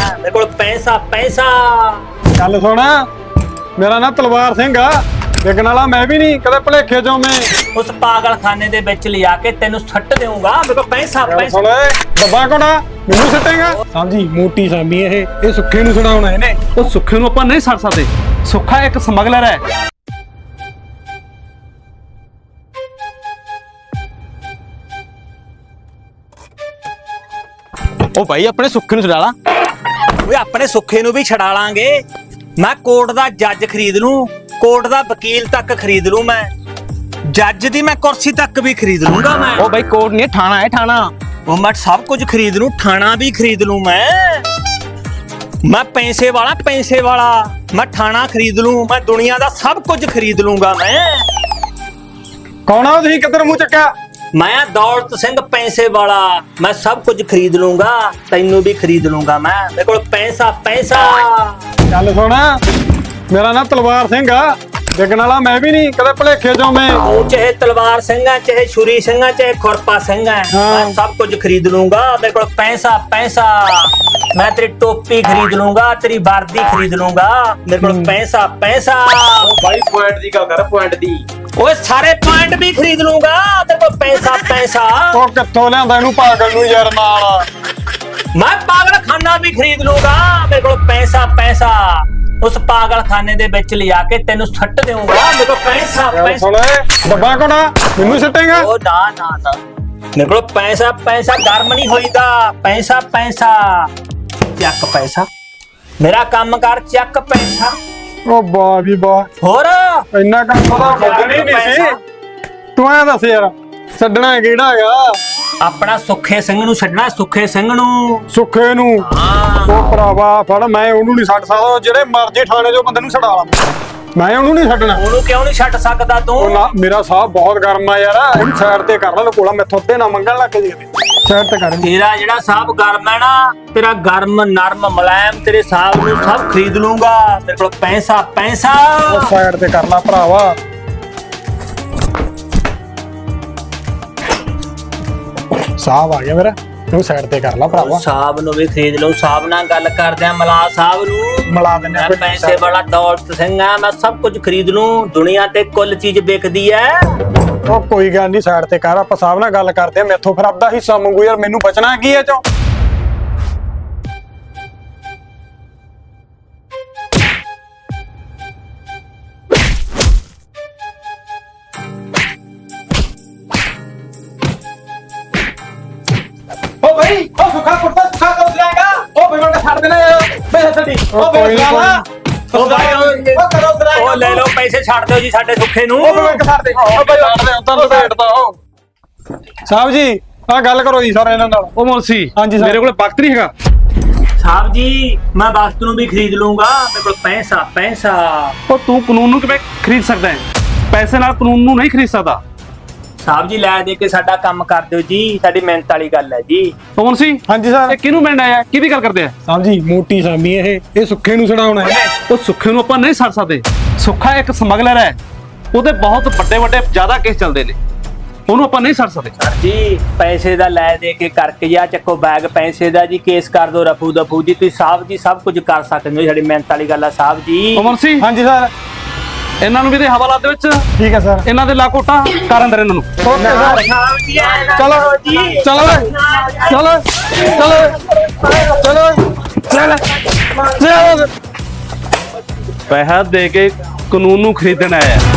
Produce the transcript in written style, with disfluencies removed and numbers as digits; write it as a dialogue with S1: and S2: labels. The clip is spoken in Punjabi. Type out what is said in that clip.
S1: मेरे को पैसा पैसा।
S2: ਚੱਲ ਸੁਣ ਮੇਰਾ ਨਾਂ ਤਲਵਾਰ ਸਿੰਘ ਆ ਵਿਕਣ ਵਾਲਾ ਮੈਂ ਵੀ ਨਹੀਂ ਕਦੇ ਭਲੇਖੇ ਚੋਂ ਮੈਂ
S1: उस पागल खाने दे विच लिया के तेनू सट देऊंगा। मेरे को पैसा पैसा।
S2: ਸੁਣ ਡੱਬਾ ਕੋਣਾ ਮੈਨੂੰ ਸੱਟੇਗਾ ਸਮਝੀ ਮੋਟੀ ਸਾਮੀ ਇਹ ਸੁੱਖੇ ਨੂੰ ਛਡਾਉਣਾ ਇਹਨੇ
S3: ਉਹ ਸੁੱਖੇ ਨੂੰ ਆਪਾਂ ਨਹੀਂ ਛੱਡ ਸਕਦੇ। ਸੁੱਖਾ ਇੱਕ ਸਮਗਲਰ ਹੈ।
S4: ਉਹ ਭਾਈ ਆਪਣੇ ਸੁੱਖੇ ਨੂੰ ਛਡਾ ਲਾ।
S1: ਓਏ ਆਪਣੇ ਸੁੱਖੇ ਨੂੰ भी छड़ा लांगे। मैं कोर्ट दा जज खरीद लूं, कोर्ट दा वकील तक खरीद लूं, मैं जज दी मैं कुर्सी तक भी खरीद लूंगा मैं।
S4: ਉਹ ਭਾਈ ਕੋਰਟ ਨਹੀਂ ਠਾਣਾ ਹੈ ਠਾਣਾ।
S1: वो मैं सब कुछ खरीद लूं, थाना भी खरीद लूं मैं पैसे वाला मैं थाना खरीद लूं, मैं दुनिया दा सब कुछ खरीद लूंगा मैं।
S2: ਕੌਣ ਆ ਤੁਸੀਂ ਕਿੱਧਰ ਮੂੰਹ ਚੱਕਿਆ
S1: मैं दौलत सिंह पैसे वाला, मैं सब कुछ खरीद लूंगा, तैनू भी खरीद लूंगा मैं। मेरे को पैसा पैसा।
S2: ਚੱਲ ਸੁਣ ਮੇਰਾ ਨਾਂ ਤਲਵਾਰ ਸਿੰਘ ਆ ਵਿਕਣ ਵਾਲਾ ਮੈਂ ਵੀ ਨਹੀਂ ਕਦੇ ਭਲੇਖੇ ਚੋਂ ਮੈਂ
S1: तू चाहे तलवार सिंह है, चाहे छुरी सिंह है, चाहे खुरपा सिंह है,
S2: हाँ।
S1: मैं सब कुछ खरीद लूंगा। मेरे को पैसा पैसा। मैं तेरी टोपी खरीद लूंगा, तेरी वर्दी खरीद लूंगा। मेरे को पैसा पैसा।
S4: ਭਾਈ ਪੁਆਇੰਟ ਦੀ ਗੱਲ ਕਰ ਪੁਆਇੰਟ ਦੀ।
S1: ओए सारे पॉइंट भी खरीद लूंगा। तेरे को पैसा पैसा।
S2: ਉਹ ਕਿੱਥੋਂ ਲਿਆਂਦਾ ਇਹਨੂੰ ਪਾਗਲ ਨੂੰ ਯਾਰ ਨਾਲ
S1: मैं पागल खाना भी खरीद लूंगा। मेरे को पैसा पैसा। उस पागल खाने दे विच लिया के तेनू सट देऊंगा। मेरे को पैसा
S2: ਚੱਲ
S1: पैसा।
S2: ਸੁਣ ਡੱਬਾ ਕੋਣਾ ਮੈਨੂੰ ਸੱਟੇਗਾ
S1: ओ ना ना ना, मेरे को पैसा पैसा गर्म नहीं होईदा। पैसा पैसा। चक पैसा, मेरा काम कर चक पैसा।
S2: ਉਹ ਵਾਹ ਵੀ ਵਾਹ
S1: होर
S2: ਇੰਨਾ ਕੰਮ ਉਹਦਾ ਵਧਣੀ ਨਹੀਂ ਸੀ ਤੂੰ ਐਂ ਦੱਸ ਯਾਰ ਛੱਡਣਾ ਕਿਹੜਾ ਹੈਗਾ
S1: अपना सुखे सिंह नू छड्डना, सुखे सिंह नू।
S2: ਸੁੱਖੇ ਨੂੰ
S1: हाँ
S2: ਉਹ ਭਰਾਵਾ ਫੜ ਮੈਂ ਉਹਨੂੰ ਨਹੀਂ ਛੱਡ ਸਕਦਾ ਉਹ ਜਿਹੜੇ ਮਰਜ਼ੀ ਥਾਣੇ ਚੋਂ ਬੰਦੇ ਨੂੰ ਛਡਾ ਲਾਂ ਮੈਂ ਉਹਨੂੰ ਨਹੀਂ ਛੱਡਣਾ
S1: ਉਹਨੂੰ ਕਿਉਂ ਨਹੀਂ ਛੱਡ ਸਕਦਾ ਤੂੰ?
S2: ਉਹ ਨਾ ਮੇਰਾ ਸਾਹ ਬਹੁਤ ਗਰਮ ਆ ਯਾਰ ਇਹਨੂੰ ਸਾਈਡ ਤੇ ਕਰ ਲੈ ਲੋਕੋਲਾ ਮੈਥੋਂ ਤੇ ਨਾ ਮੰਗਣ ਲੱਗ ਜੀ ਸਾਈਡ ਤੇ ਕਰ
S1: ਤੇਰਾ ਜਿਹੜਾ ਸਾਹਬ ਗਰਮ ਹੈ ਨਾ, ਤੇਰਾ ਗਰਮ ਨਰਮ ਮੁਲਾਇਮ ਤੇਰੇ ਸਾਹਬ ਨੂੰ ਸਭ ਖਰੀਦ ਲੂੰਗਾ। ਮੇਰੇ ਕੋਲ ਪੈਸਾ ਪੈਸਾ।
S2: ਉਹ ਸਾਈਡ ਤੇ ਕਰ ਲੈ ਭਰਾਵਾ ਸਾਹ ਆ ਗਿਆ ਮੇਰਾ ਤੂੰ ਸਾਈਡ ਤੇ ਕਰ ਲੈ ਭਰਾਵਾ
S1: ਸਾਹਬ ਨੂੰ ਵੀ ਖਰੀਦ ਲਓ। ਸਾਹਬ ਨਾਲ ਗੱਲ ਕਰਦੇ ਆ, ਮਲਾ ਸਾਹਬ ਨੂੰ
S2: ਮਿਲਾ ਦਿੰਦੇ
S1: ਮੈਂ ਪੈਸੇ ਵਾਲਾ ਦੌਲਤ ਸਿੰਘ ਆ, ਮੈਂ ਸਭ ਕੁਝ ਖਰੀਦ ਲੂੰ। ਦੁਨੀਆ ਤੇ ਕੁੱਲ ਚੀਜ਼ ਵਿਕਦੀ ਐ।
S2: ਉਹ ਕੋਈ ਗੱਲ ਨਹੀਂ ਸਾਈਡ ਤੇ ਕਰ ਆਪਾਂ ਸਾਹਿਬ ਨਾਲ ਗੱਲ ਕਰਦੇ ਆ ਮੈਥੋਂ ਫਿਰ ਆਪਦਾ ਹਿੱਸਾ ਮੰਗੂ ਯਾਰ ਮੈਨੂੰ ਬਚਣਾ ਕੀ ਹੈ ਚੋਂ
S4: ਉਹ ਭਾਈ ਉਹ ਸੁੱਖਾ ਕੁੱਤਾ ਸੁੱਖਾ ਕਰ ਦੇਗਾ। ਉਹ ਭਾਈ ਮੈਂ ਛੱਡ ਦੇਣਾ ਪੈਸੇ ਛੱਡੀ। ਉਹ
S2: ਕੋਈ ਨੀ,
S1: ਉਹ ਭਾਈ
S4: ਉਹ ਕਰੋ ਸਰਾਈ।
S1: ਉਹ ਲੈ ਲਓ ਪੈਸੇ ਛੱਡ ਦਿਓ ਜੀ ਸਾਡੇ ਸੁੱਖੇ ਨੂੰ।
S4: ਉਹ ਭਾਈ ਛੱਡ ਦੇ। ਉਹ ਭਾਈ
S2: ਉਧਰ ਬੈਠਦਾ ਉਹ ਸਾਹਿਬ ਜੀ ਆ ਗੱਲ ਕਰੋ ਜੀ ਸਾਰੇ ਇਹਨਾਂ ਨਾਲ
S3: ਉਹ ਮੁਲਸੀ
S2: ਹਾਂਜੀ ਸਰ।
S3: ਮੇਰੇ ਕੋਲ ਵਕਤ ਨਹੀਂ ਹੈਗਾ।
S1: साहब जी मैं वक्त ਨੂੰ ਵੀ ਖਰੀਦ ਲੂੰਗਾ। ਮੇਰੇ ਕੋਲ ਪੈਸਾ ਪੈਸਾ।
S3: ਉਹ ਤੂੰ ਕਾਨੂੰਨ ਨੂੰ ਕਿਵੇਂ ਖਰੀਦ ਸਕਦਾ ਹੈ? ਪੈਸੇ ਨਾਲ ਕਾਨੂੰਨ ਨੂੰ ਨਹੀਂ ਖਰੀਦ ਸਕਦਾ।
S1: ਸਾਹਿਬ ਜੀ ਲੈ ਦੇ ਕੇ ਸਾਡਾ ਕੰਮ ਕਰ ਦਿਓ ਜੀ, ਸਾਡੀ ਮਿਹਨਤ ਵਾਲੀ ਗੱਲ ਹੈ ਜੀ।
S3: ਉਹ ਮੁਲਸੀ
S2: ਹਾਂਜੀ ਸਰ
S3: ਇਹ ਕਿਹਨੂੰ ਮਿਲਣ ਆਇਆ? ਕਿਹਦੀ ਗੱਲ ਕਰਦੇ ਆ?
S2: ਸਾਹਿਬ ਜੀ ਮੋਟੀ ਸਾਮੀ ਇਹ ਸੁੱਖੇ ਨੂੰ ਛਡਾਉਣਾ ਹੈ
S3: ਉਹ ਸੁੱਖੇ ਨੂੰ ਆਪਾਂ ਨਹੀਂ ਛੱਡ ਸਕਦੇ। ਸੁੱਖਾ ਇੱਕ ਸਮਗਲਰ ਹੈ। ਉਹਦੇ ਬਹੁਤ ਵੱਡੇ ਵੱਡੇ ਜ਼ਿਆਦਾ ਕੇਸ ਚੱਲਦੇ ਨੇ, ਉਹਨੂੰ ਆਪਾਂ ਨਹੀਂ ਛੱਡ ਸਕਦੇ।
S1: ਸਰ ਜੀ ਪੈਸੇ ਦਾ ਲੈ ਦੇ ਕੇ ਕਰਕੇ ਜਾਂ ਚੱਕੋ ਬੈਗ ਪੈਸੇ ਦਾ ਜੀ, ਕੇਸ ਕਰ ਦੋ ਰਫੂ ਦਫੂ ਜੀ। ਤੁਸੀਂ ਸਾਹਿਬ ਜੀ ਸਭ ਕੁਝ ਕਰ ਸਕਦੇ ਹੋ, ਸਾਡੀ ਮਿਹਨਤ ਵਾਲੀ ਗੱਲ ਆ ਸਾਹਿਬ ਜੀ।
S3: ਉਹ ਮੁਲਸੀ
S2: ਹਾਂਜੀ ਸਰ
S3: ਇਹਨਾਂ ਨੂੰ ਵੀ ਦੇ ਹਵਾਲਾ ਦੇ ਵਿੱਚ
S2: ਠੀਕ ਹੈ ਸਰ
S3: ਇਹਨਾਂ ਦੇ ਲਾਕੋਟਾ ਕਰ ਅੰਦਰ ਇਹਨਾਂ ਨੂੰ।
S2: ਓਕੇ ਸਰ
S1: ਸਾਹਿਬ ਜੀ
S2: ਚਲੋ
S1: ਜੀ
S2: ਚਲੋ ਚਲੋ ਚਲੋ ਚਲੋ ਚਲੋ
S3: ਪੈਸਾ ਦੇ ਕੇ ਕਾਨੂੰਨ ਨੂੰ ਖਰੀਦਣ ਆਇਆ।